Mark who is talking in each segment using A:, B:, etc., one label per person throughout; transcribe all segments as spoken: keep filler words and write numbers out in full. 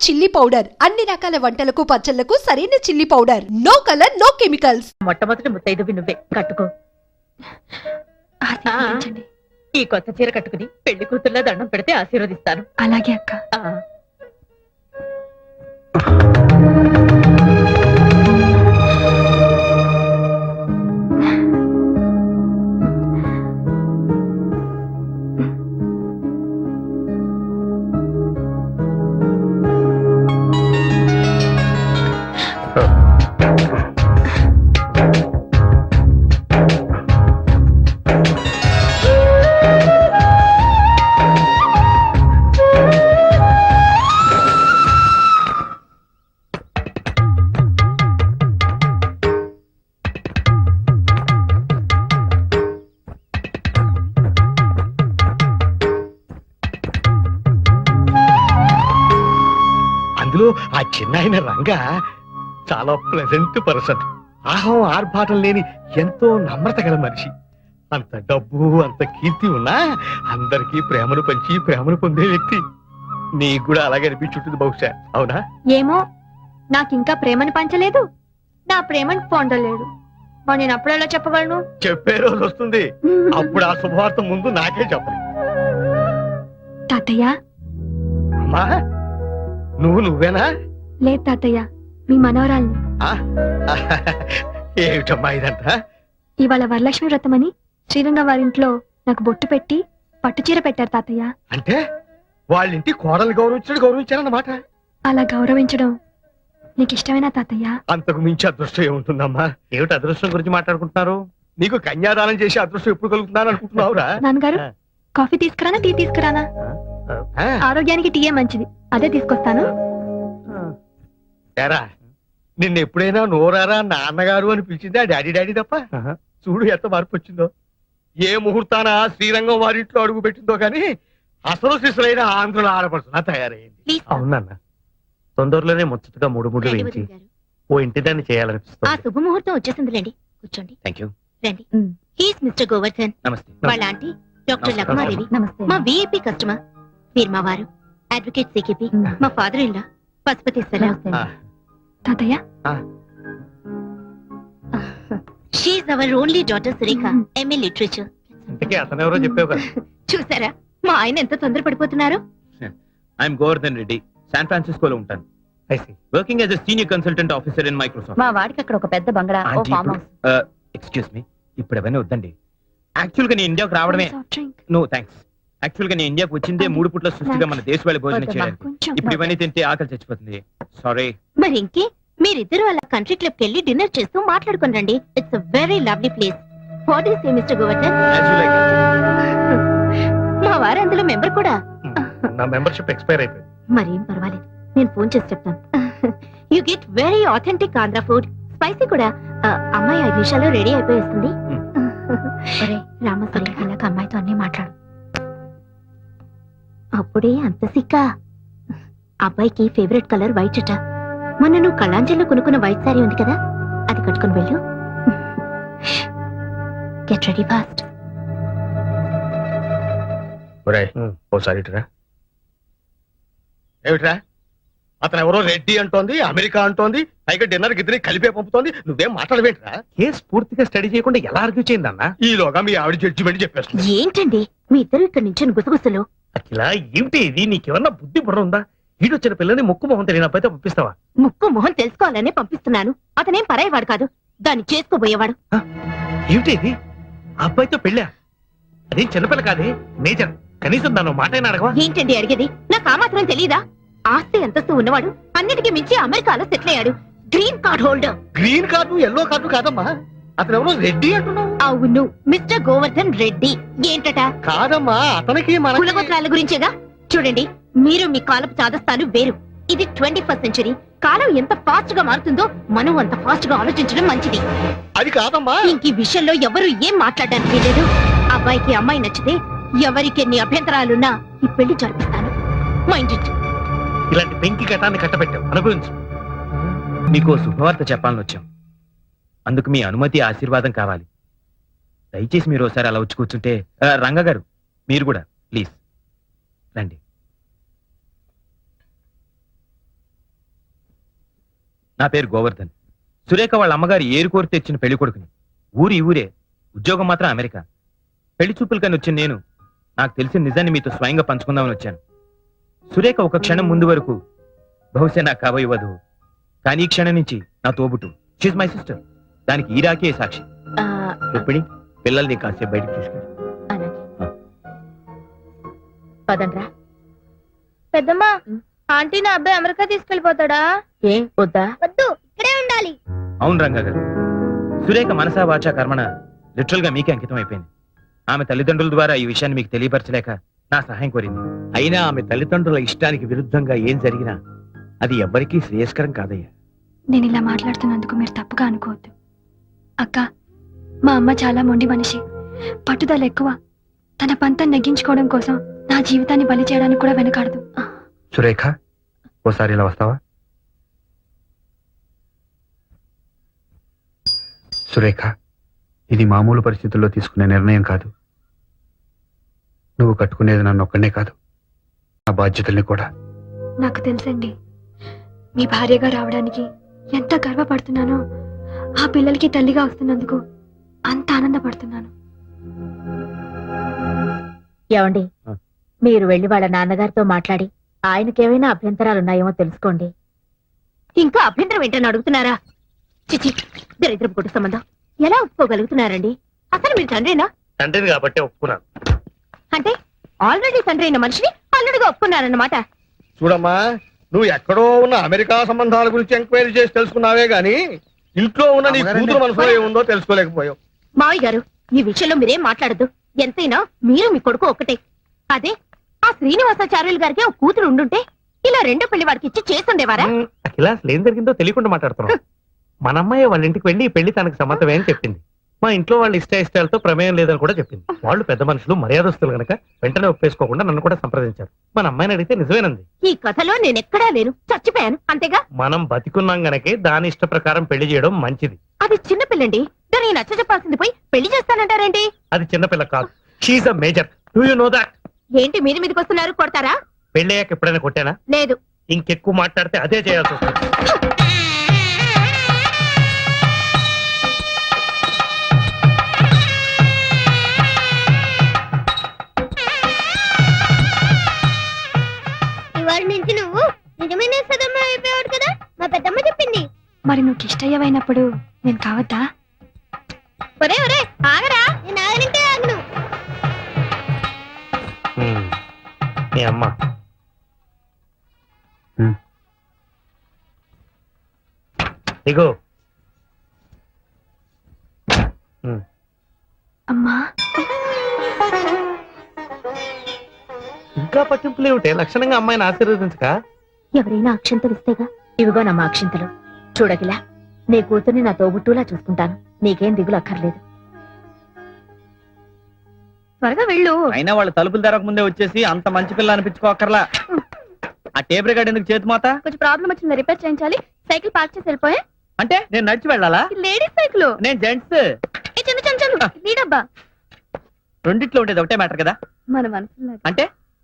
A: Chilli powder అన్ని రకాల వంటలకు పచ్చళ్లకు సరైన chilli powder. No colour no chemicals.
B: మొట్టమొదటి ముత్తైదువి నువ్వే, కట్టుకో. ఈ కొత్త చీర కట్టుకుని పెళ్లి కూతుర్లా దండం పెడితే ఆశీర్వదిస్తాను.
C: అలాగే అక్క.
D: అందులో ఆ చిన్న రంగా చాలా ప్లెజెంట్ పర్సన్. ఆహం ఆర్భాటం లేని ఎంతో నమ్రత గల మనిషి. అంత డబ్బు అంత కీర్తి ఉన్నా అందరికీ ప్రేమను పంచి ప్రేమను పొందే వ్యక్తి. నీకు కూడా అలాగే అనిపించుంటుంది బహుశా, అవునా?
C: ఏమో, నాకింకా ప్రేమను పంచలేదు, నా ప్రేమను పొందలేడు. మరి నేను అప్పుడు ఎలా చెప్పగలను?
D: చెప్పే రోజు వస్తుంది, అప్పుడు ఆ శుభవార్త ముందు నాకే చెప్పాలి.
C: తాతయ్య.
D: అమ్మా, నువ్వు నువ్వేనా?
C: లేదు తాతయ్య, మీ మనవరాల్ని.
D: ఏమిటమ్మా ఇదంతా?
C: ఇవాళ వరలక్ష్మి వ్రతమని శ్రీరంగ వారింట్లో నాకు బొట్టు పెట్టి పట్టుచీర పెట్టారు తాతయ్య.
D: అంటే వాళ్ళింటి కోడలు గౌరవించడు గౌరవించారన్నమాట.
C: అలా గౌరవించడం నీకు ఇష్టమేనా తాతయ్య?
D: అంతకు మించి అదృష్టం ఏముంటుందమ్మా? ఏమిటి అదృష్టం గురించి మాట్లాడుకుంటున్నారు? నీకు కన్యాదానం చేసి అదృష్టం ఎప్పుడు కలుగుతున్నాను అనుకుంటున్నావురా?
C: నాన్నగారు, కాఫీ తీసుకురానా టీ తీసుకురానా? ఆరోగ్యానికి టీయే మంచిది, అదే తీసుకొస్తాను.
D: ఏరా, నిన్న ఎప్పుడైనా నోరారా నాన్నగారు అని పిలిచిందా డాడీ డాడీ తప్ప? చూడు ఎంత మార్పు వచ్చిందో. ఏ ముహూర్తాన శ్రీరంగం వారింట్లో అడుగు పెట్టిందో కానీ అసలు శిశులైన ఆంధ్రుల ఆడపడుతున్నా తయారైంది. అవునన్న, తొందరలోనే ముచ్చటగా మూడు మూడు వేయించి ఓ ఇంటి దాన్ని చేయాలనిపిస్తుంది.
B: ఆ శుభముహూర్తం వచ్చేసిందిలేండి, కూర్చోండి.
D: Thank you.
B: రండి. He's mister Govardhan.
D: నమస్తే.
B: వాళ్ళ ఆంటీ డాక్టర్ లక్మాదేవి, మా విఐపి కస్టమర్. మీరు మా వారు అడ్వకేట్ సికేపి. మా ఫాదర్ ఇన్ లా పశుపతి సలా.
C: తాతయ్య,
B: she's our only daughter Surekha, MA literature.
D: ఇంతకీ అతను ఎవరో చెప్పావు కదా.
B: చూసారా మా ఆయన ఎంత తొందర పడిపోతున్నారు?
E: ఐఎమ్ గోవర్ధన్ రెడ్డి, శాన్ ఫ్రాన్సిస్కోలో ఉంటాను. Working as a senior consultant officer in Microsoft.
B: మా వాడికి అక్కడ ఒక పెద్ద బంగ్లా, ఓ ఫామ్ హౌస్.
E: ఎక్స్క్యూజ్ మీ, ఇప్పుడు అవన్నీ వద్దండి. యాక్చువల్ గా నేను ఇండియాకు రావడమే. No thanks. యాక్చువల్ గా నేను ఇండియాకి వచ్చిందే మూడు పుట్ల సృష్టిగా మన దేశ వాళ్ళ భోజనం చేయడానికి. ఇప్పుడు ఇవన్నీ తింటే ఆకలి చచ్చిపోతుంది. సారీ.
B: మరి ఇంకే మీరిద్దరు అలా కంట్రీ క్లబ్ కి వెళ్ళి డిన్నర్ చేస్తూ మాట్లాడుకుని రండి. It's a very lovely place. What do you say mister Govardhan? మా వారు అందులో మెంబర్ కూడా.
D: నా మెంబర్షిప్ ఎక్స్పైర్ అయిపోయింది.
B: మరేం పర్వాలేదు, నేను ఫోన్ చేసి చెప్తాను. You get very authentic Andhra food, spicy కూడా. అమ్మాయి ఐదు నిమిషాల్లో రెడీ అయిపోయేస్తుంది. రామసరి ఇలాగ అమ్మాయితో అన్ని మాట్లాడు. అప్పుడే అంత సిక్క. అబ్బాయికి ఫేవరెట్ కలర్ వైట్ అట. మొన్న నువ్వు కళాంజలిలో కొనుక్కున్న వైట్ సారీ ఉంది కదా, అది కట్టుకుని వెళ్ళు. Get ready fast.
D: ఓసారి ఏమిట్రా, అతను ఎవరో రెడ్డి అంటోంది, అమెరికా అంటోంది, పైగా డిన్నర్ గిద్దరి కలిపే పంపుతోంది. నువ్వేం మాట్లాడవేంట్రా? కేసు పూర్తిగా స్టడీ చేయకుండా ఎలా ఆర్గ్యూ చేయిందన్నా? ఈలోగా మీ ఆవిడ జడ్జిమెంట్ చెప్పేస్తుంది.
B: ఏంటండి మీ ఇద్దరు ఇక్కడ నుంచి గుసగుసలు?
D: అట్లా ఏమిటి ఇది? నీకేమన్నా బుద్ధి బుర్ర ఉందా? ఈడొచ్చిన పిల్లని ముక్కు మొహం తెలియని అబ్బాయితో పంపిస్తావా?
B: ముక్కు మొహం తెలుసుకోవాలనే పంపిస్తున్నాను. అతనేం పరాయవాడు కాదు, దాన్ని చేసుకోబోయేవాడు.
D: ఏమిటి ఇది? అబ్బాయితో పెళ్ళా? అదేం చిన్నపిల్ల కాదే, మేజర్. కనీసం దాని మాట అయినా అడగవా?
B: ఏంటండి అడిగేది? నాకు ఆ మాత్రం తెలీదా? ఆస్తి అంతస్తు ఉన్నవాడు, అన్నిటికీ మించి అమెరికాలో సెటిల్ అయ్యాడు. Green card holder.
D: Green card yellow card కాదమ్మా, అతను ఎవరో రెడ్డి అంటున్నావు.
B: అవును, మిస్టర్ గోవర్ధన్ రెడ్డి. ఏంటట?
D: కాదమ్మా, అతనికి మన
B: కులగోత్రాల గురించేగా. చూడండి, మీరు మీ కాలపు చాదస్తాలు వేరు. ఇది ట్వంటీ ఫస్ట్ సెంచరీ. కాలం ఎంత ఫాస్ట్ గా మారుతుందో మనం అంత ఫాస్ట్ గా ఆలోచించడం మంచిది.
D: అది కాదమ్మా,
B: ఇంక ఈ విషయంలో ఎవరు ఏం మాట్లాడడానికి లేదు. అబ్బాయికి అమ్మాయి నచ్చితే ఎవరికి ఎన్ని అభ్యంతరాలున్నా ఈ పెళ్లి జరిపిస్తాను. Mind it.
D: ఇలాంటి పెంకి ఘటాన్ని కట్టబెట్టాం, అనుభవించు.
E: మీకు శుభవార్త చెప్పాలని వచ్చాం. అందుకు మీ అనుమతి, ఆశీర్వాదం కావాలి. దయచేసి మీరు ఒకసారి అలా వచ్చి కూర్చుంటే. రంగ గారు, మీరు కూడా ప్లీజ్ రండి. నా పేరు గోవర్ధన్. సురేఖ వాళ్ళ అమ్మగారు ఏరు కోరి తెచ్చిన పెళ్లి కొడుకుని. ఊరి ఊరే, ఉద్యోగం మాత్రం అమెరికా. పెళ్లి చూపులు కానీ వచ్చిన నేను నాకు తెలిసిన నిజాన్ని మీతో స్వయంగా పంచుకుందామని వచ్చాను. సురేఖ ఒక క్షణం ముందు వరకు బహుశా నాకు కాబోయే వధువు, కానీ ఈ క్షణం నుంచి నా తోబుట్టు. She's my sister. దానికి ఈ రాకే సాక్షి.
B: ఆ,
E: రుక్మిణి, పిల్లల్ని కాసేపు బయటకు తీసుకెళ్ళి.
B: అలాగే. పదండ్రా.
C: పెద్దమ్మా, ఆంటీ నా అబ్బాయి అమెరికా తీసుకెళ్లిపోతాడా?
B: ఏం వద్దా?
C: వద్దు, ఇక్కడే ఉండాలి.
E: అవును రంగా గారు, సురేఖ మనసా వాచా కర్మణ లిటరల్ గా మీకే అంకితం అయిపోయింది. ఆమె తల్లిదండ్రుల ద్వారా ఈ విషయాన్ని మీకు తెలియపరచలేక నా సహాయం కోరింది.
D: అయినా ఆమె తల్లిదండ్రుల ఇష్టానికి విరుద్ధంగా ఏం జరిగినా అది ఎవ్వరికీ శ్రేయస్కరం కాదయ్యా.
C: నేను ఇలా మాట్లాడుతున్నందుకు మీరు తప్పుగా అనుకోవద్దు. అక్క, మా అమ్మ చాలా మొండి మనిషి, పట్టుదల ఎక్కువ. తన పంతం నెగ్గించుకోవడం కోసం నా జీవితాన్ని బలి చేయడానికి కూడా వెనకాడదు.
F: సురేఖ, ఓసారి ఇలా వస్తావా? సురేఖ, ఇది మామూలు పరిస్థితుల్లో తీసుకునే నిర్ణయం కాదు. నువ్వు కట్టుకునేది నన్ను ఒక్కనే కాదు, నా బాధ్యతల్ని కూడా.
C: నాకు తెలుసండి, మీ భార్యగా రావడానికి ఎంత గర్వపడుతున్నానో, ఆ పిల్లలకి తల్లిగా వస్తున్నందుకు అంత ఆనందపడుతున్నాను.
B: ఏమండి,
E: ఆ.
B: మీరు వెళ్లి వాళ్ళ నాన్నగారితో మాట్లాడి ఆయనకేమైనా అభ్యంతరాలు ఉన్నాయేమో తెలుసుకోండి. ఇంకా అభ్యంతరం ఏంటని అడుగుతున్నారా? చిచి, దరిద్రపు కుటుంబ సంబంధం ఎలా ఒప్పుకోగలుగుతున్నారండి? అసలు మీరు తండ్రినా?
D: తండ్రిని కాబట్టి ఒప్పుకున్నాను.
B: అంటే ఆల్రెడీ తండ్రి అయిన మనిషిని అల్లుడిగా ఒప్పుకున్నారన్నమాట.
D: చూడమ్మా, నువ్వు ఎక్కడో ఉన్న అమెరికా సంబంధాల గురించి ఎంక్వైరీ చేసి తెలుసుకున్నావే గాని ఇంట్లో ఉన్న నీ కూతురు మనసులో ఏముందో తెలుసుకోలేకపోయావు.
B: మావయ్య గారు, ఈ విషయంలో మీరేం మాట్లాడద్దు. ఎంతైనా మీరు మీ కొడుకు ఒక్కటే. అదే ఆ శ్రీనివాసాచార్యులు గారికి ఒక కూతురు ఉండుంటే ఇలా రెండో పెళ్లి వాడికి ఇచ్చి చేస్తుండేవారా?
G: అఖిల, అసలు ఏం జరిగిందో తెలియకుండా మాట్లాడుతున్నాం. మన అమ్మాయి వాళ్ళ ఇంటికి వెళ్ళి ఈ పెళ్లి తనకు సమ్మతమే అని చెప్పింది. మా ఇంట్లో వాళ్ళ ఇష్ట ఇష్టాలతో ప్రమేయం లేదని కూడా చెప్పింది. వాళ్ళు పెద్ద మనుషులు, మర్యాదస్తులు గనక వెంటనే ఒప్పేసుకోకుండా నన్ను కూడా సంప్రదించారు. మన అమ్మాయిని అడిగితే నిజమేనంది.
B: ఈ కథలో నేనెక్కడా లేను, చచ్చిపోయాను అంతేగా.
G: మనం బతికున్నాం గనకే దాని ఇష్ట ప్రకారం పెళ్లి చేయడం మంచిది.
B: అది చిన్న పిల్లండి, దానికి నచ్చ చెప్పాల్సింది పోయి పెళ్లి చేస్తానంటారేంటి?
G: అది చిన్నపిల్ల కాదు, she's a major. Do you know that?
B: ఏంటి మీది మీదకి వస్తున్నారు? కొడతారా?
G: పెళ్ళయ్యాక ఎప్పుడైనా కొట్టానా?
B: లేదు.
G: ఇంకెక్కువ మాట్లాడితే అదే చేయాల్సి వస్తుంది.
C: ఇవాళ నుంచి నువ్వు నిజమైన సదమ్మ అయిపోయాడు కదా, మా పెద్దమ్మ చెప్పింది. మరి నువ్వు ఇష్టయ్యమైనప్పుడు నేను కావద్దా? ఒరే ఒరే ఆగరా, నేను ఆగనంటే ఆగను.
G: హ్మ్. మీ అమ్మ
F: హ్మ్.
G: ఇగో.
C: అమ్మా,
G: ఇంకా పట్టింపులు ఏమిటే? లక్షణంగా అమ్మాయిని ఆశీర్వదించక.
B: ఎవరైనా అక్షంతలు ఇస్తేగా. ఇవిగో నమ్మ అక్షింతలు. చూడగిలా, నీ కూతుర్ని నా తోబుట్టులా చూసుకుంటాను. నీకేం దిగులు అక్కర్లేదు.
C: త్వరగా వెళ్ళు.
H: అయినా వాళ్ళు తలుపులు తెరక ముందే వచ్చేసి అంత మంచి పిల్ల అనిపించుకోకర్లా. ఆ టేప్ రికార్డ్ ఎందుకు చేతి మోత?
C: కొంచెం ప్రాబ్లం వచ్చింది, రిపేర్ చేయించాలి. సైకిల్ పార్క్ చేసి వెళ్ళిపోయా.
H: అంటే నేను నడిచి వెళ్ళాలా?
C: Ladies cycle.
H: నేను జెంట్స్.
C: చందు చందు చందు నీడబ్బా.
H: రెండిట్లో ఉండేది ఒకటే మ్యాటర్ కదా.
C: మన మనసులో
H: అంటే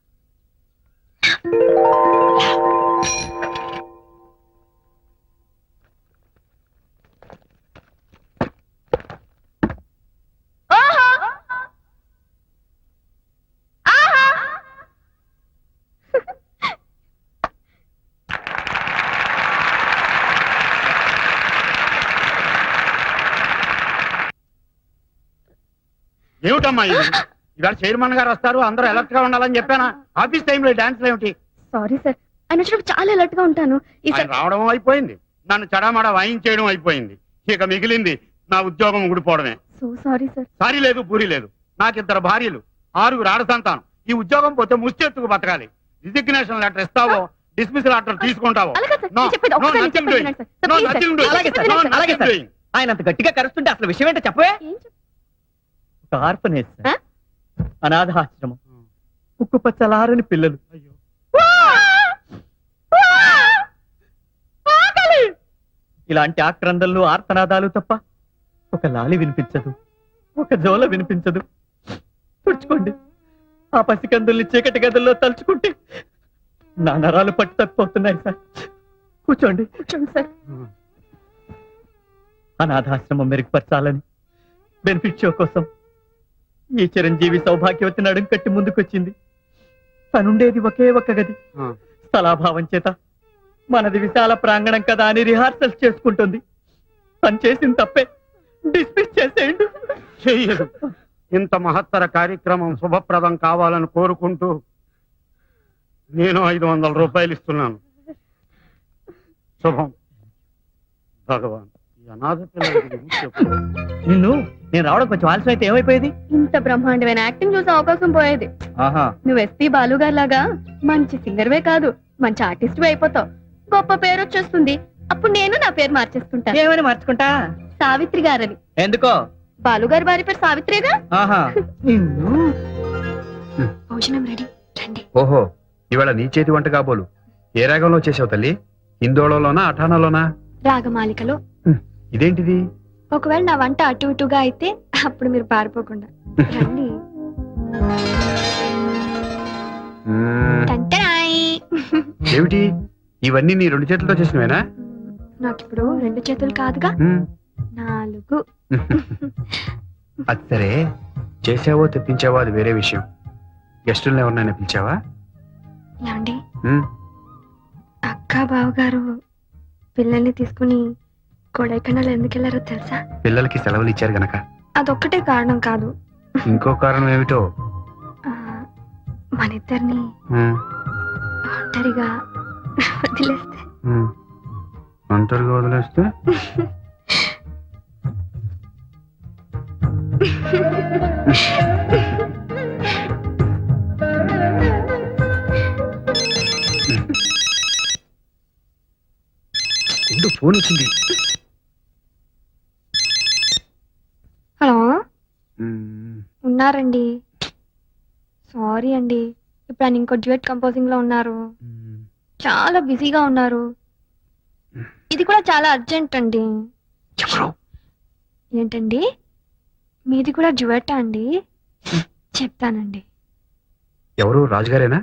D: ఏమిటమ్మా ఇది? ఇవాళ చైర్మన్ గారు వస్తారు, అందరూ అలర్ట్ గా ఉండాలని చెప్పానా? ఆఫీస్ టైంలో డాన్స్ ఏమిటి?
C: సారీ సార్, ఆయన వచ్చినప్పుడు చాలా అలర్ట్ గా ఉంటాను.
D: ఆయన రావడం అయిపోయింది, నన్ను చడామడా వాయించేయడం అయిపోయింది. ఇక మిగిలింది నా ఉద్యోగం ఊడిపోవడమే.
C: So sorry sir.
D: సారీ లేదు, పూరి లేదు. నాకిద్దరు భార్యలు, ఆరుగురు ఆడ సంతానం. ఈ ఉద్యోగం పోతే ముష్టెత్తుకు బతకాలి. రిజిగ్నేషన్ లెటర్ ఇస్తావో, డిస్మిసల్ లెటర్ తీసుకుంటావో?
C: అలాగే సార్,
D: No,
C: నేను చెప్పేది
D: no,
C: ఒక్కసారి
D: nothing
C: చెప్పేది
D: doing.
C: వినండి sir. Sir,
D: No,
C: please sir.
D: nothing doing.
H: అలాగే సార్,
D: No,
H: అలాగే
D: nothing
H: సార్.
D: doing.
H: ఆయన అంత గట్టిగా కరుస్తుంటే అసలు విషయం ఏంటో చెప్పవే.
C: ఏం చెప్-
H: ఒక ఆర్ఫనేజ్, అనాథాశ్రమం, ఉక్కు పచ్చలారని పిల్లలు. ఇలాంటి ఆక్రందనలు, ఆర్తనాదాలు తప్ప ఒక లాలి వినిపించదు, ఒక జోల వినిపించదు. తుడుచుకోండి. ఆ పసికందుల్ని చీకటి గదుల్లో తలుచుకుంటే నా నరాలు పట్టు తప్పిపోతున్నాయి సార్. కూర్చోండి.
C: కూర్చోండి సార్.
H: అనాథాశ్రమం మెరుగుపరచాలని బెనిఫిట్ షో కోసం ఈ చిరంజీవి సౌభాగ్యవతి నడుం కట్టి ముందుకొచ్చింది. తనుండేది ఒకే ఒక్క గది. స్థలాభావం చేత మనది విశాల ప్రాంగణం కదా అని రిహార్సల్స్ చేసుకుంటుంది. తను చేసిన తప్పే డిస్మిస్ చేసేయండి.
I: చెయ్యదు. ఇంత మహత్తర కార్యక్రమం శుభప్రదం కావాలని కోరుకుంటూ నేను ఐదు వందల రూపాయలు ఇస్తున్నాను. శుభం. భగవాన్ ఈ అనాథ పిల్లల గురించి చెప్పు.
H: నిన్ను నేను రావడం కొంచెం ఆలస్యం అయితే ఏమైపోయేది?
B: ఇంత బ్రహ్మాండమైన యాక్టింగ్ చూసే అవకాశం పోయేది.
H: ఆహా,
B: నువ్వు ఎస్పీ బాలు గారి లాగా మంచి సింగర్వే కాదు, మంచి ఆర్టిస్ట్ అయిపోతావు. గొప్ప పేరు వచ్చేస్తుంది. అప్పుడు నేను నా పేరు మార్చేసుకుంటా.
H: ఏమని మార్చుకుంటా?
B: సావిత్రి గారని.
H: ఎందుకో?
B: బాలు గారి భార్య పేరు సావిత్రిగా.
H: ఆహా, నిన్ను
C: భోజనం రెడీ, రండి.
F: ఓహో, ఇవాళ నీ చేతి వంట కాబోలు. ఏ రాగంలో చేసావు తల్లి? హిందోళలోనా అఠానాలోనా?
C: రాగమాలికలో.
F: ఇదేంటిది?
C: ఒకవేళ నా వంట అటు ఇటుగా అయితే అప్పుడు మీరు పారిపోకుండా రండి.
F: మ్మ్.
C: టంటరాయ్.
F: ఏమిటి ఇవన్నీ నీ రెండు చేతులతో చేసినవేనా?
C: నాకిప్పుడు రెండు చేతులు కాదుగా,
F: మ్మ్.
C: నాలుగు.
F: అది సరే, చేసావో తెప్పించావో అది వేరే విషయం. గెస్టులను ఎవరినైనా పిలిచావా?
C: ఏమండి,
F: మ్మ్.
C: అక్క బావగారు పిల్లల్ని తీసుకుని కొడైకెనాల్ ఎందుకు వెళ్ళారో తెలుసా?
F: పిల్లలకి సెలవులు ఇచ్చారు గనక.
C: అదొక్కటే కారణం కాదు.
F: ఇంకో కారణం ఏమిటో?
C: ఆ, మన ఇద్దరిని
F: మ్మ్.
C: ఒంటరిగా వదిలేస్తే.
F: మ్మ్. ఒంటరిగా వదిలేస్తే? ఉండు, ఫోన్ వచ్చింది.
C: హలో,
F: మ్మ్.
C: ఉన్నారండి. సారీ అండి, ఇప్పుడు ఆయన ఇంకో డ్యూయట్ కంపోజింగ్ లో ఉన్నారు.
F: మ్మ్.
C: చాలా బిజీగా ఉన్నారు. ఇది కూడా చాలా అర్జెంట్ అండి.
F: ఎవరు?
C: ఏంటండి, మీది కూడా డ్యూయట్ అండి? చెప్తానండి.
F: ఎవరు? రాజుగారేనా?